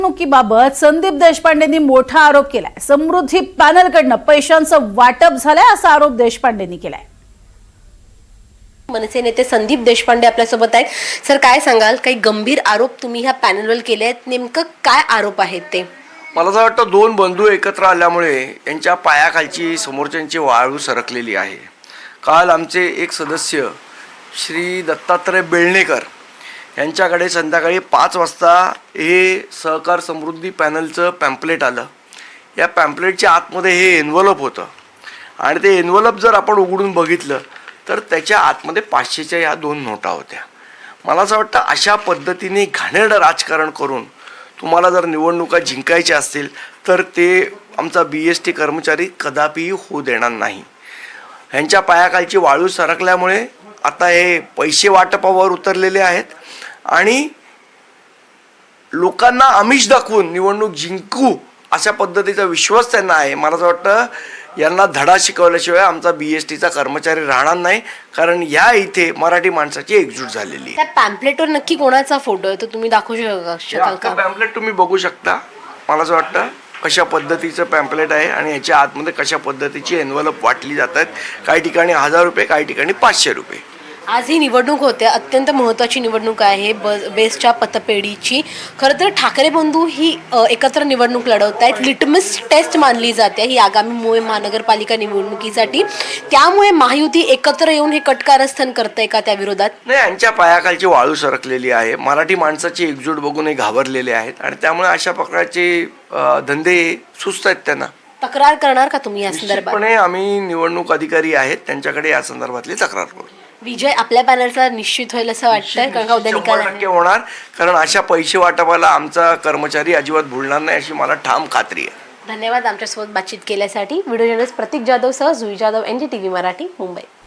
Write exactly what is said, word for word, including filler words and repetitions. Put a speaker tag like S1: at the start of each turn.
S1: निवडणुकीबाबत संदीप देशपांडेंनी मोठा आरोप केलाय। समृद्धी पॅनलकडनं पैशांचं वाटप झालंय असा आरोप देशपांडेंनी केलाय।
S2: मनसे नेते संदीप देशपांडे आपल्यासोबत आहेत। सर, काय सांगाल? काही गंभीर आरोप तुम्ही ह्या पॅनलवर केले आहेत, नेमकं काय आरोप आहेत ते?
S3: मला असं वाटतं दोन बंधू एकत्र आल्यामुळे यांच्या पायाखालची समोरच्यांची वाळू सरकलेली आहे। काल आमचे एक सदस्य श्री दत्तात्रय बेळणेकर यांच्याकडे संध्याकाळी पाच वाजता हे सहकार समृद्धी पॅनलचं पॅम्पलेट आलं। या पॅम्पलेटच्या आतमध्ये हे एन्व्हलप होतं आणि ते एन्व्हलप जर आपण उघडून बघितलं तर त्याच्या आतमध्ये पाचशेच्या या दोन नोटा होत्या। मला असं वाटतं अशा पद्धतीने घाणेरडं राजकारण करून तुम्हाला जर निवडणुका जिंकायच्या असतील तर ते आमचा बी एस टी कर्मचारी कदापिही होऊ देणार नाही। ह्यांच्या पायाखालची वाळू सरकल्यामुळे आता हे पैसे वाटपावर उतरलेले आहेत आणि लोकांना आमिष दाखवून निवडणूक जिंकू अशा पद्धतीचा विश्वास त्यांना आहे। मला असं वाटतं यांना धडा शिकवल्याशिवाय आमचा बी एस टीचा कर्मचारी राहणार नाही, कारण या इथे मराठी माणसाची एकजूट झालेली आहे।
S2: त्या पॅम्पलेटवर नक्की कोणाचा फोटो आहे तो तुम्ही दाखवू शकाल का?
S3: पॅम्पलेट तुम्ही बघू शकता। मला असं वाटतं कशा पद्धतीचं पॅम्पलेट आहे आणि याच्या आतमध्ये कशा पद्धतीची एन्व्हलप वाटली जातात। काही ठिकाणी हजार रुपये, काही ठिकाणी पाचशे रुपये।
S2: आज ही निवडणूक होते, अत्यंत महत्त्वाची निवडणूक आहे बेस्टच्या पतपेढीची। खरं तर ठाकरे बंधू ही एकत्र निवडणूक लढवत आहेत। लिटमस टेस्ट मानली जाते ही आगामी मुंबई महानगरपालिका निवडणुकीसाठी। त्यामुळे महायुती एकत्र येऊन हे कटकारस्थान करतंय का त्या विरोधात?
S3: नाही, यांच्या पायाखालची वाळू सरकलेली आहे। मराठी माणसाची एकजूट बघून हे घाबरलेले आहेत आणि त्यामुळे अशा प्रकारचे धंदे सुस्त आहेत त्यांना।
S2: तक्रार करणार का तुम्ही या संदर्भात?
S3: निश्चितपणे आम्ही निवडणूक अधिकारी आहेत त्यांच्याकडे या संदर्भातली तक्रार करू।
S2: विजय आपल्या पॅनलचा निश्चित होईल असं वाटतंय, कारण का उद्या निकाल
S3: शंभर टक्के होणार, कारण अशा पैसे वाटपाला आमचा कर्मचारी अजिबात भुलणार नाही अशी मला ठाम खात्री आहे।
S2: धन्यवाद आमच्यासोबत बातचीत केल्यासाठी। व्हिडिओ जर्नलिस्ट प्रतीक जाधव सह Jui Jadhav, N D T V Marathi, Mumbai.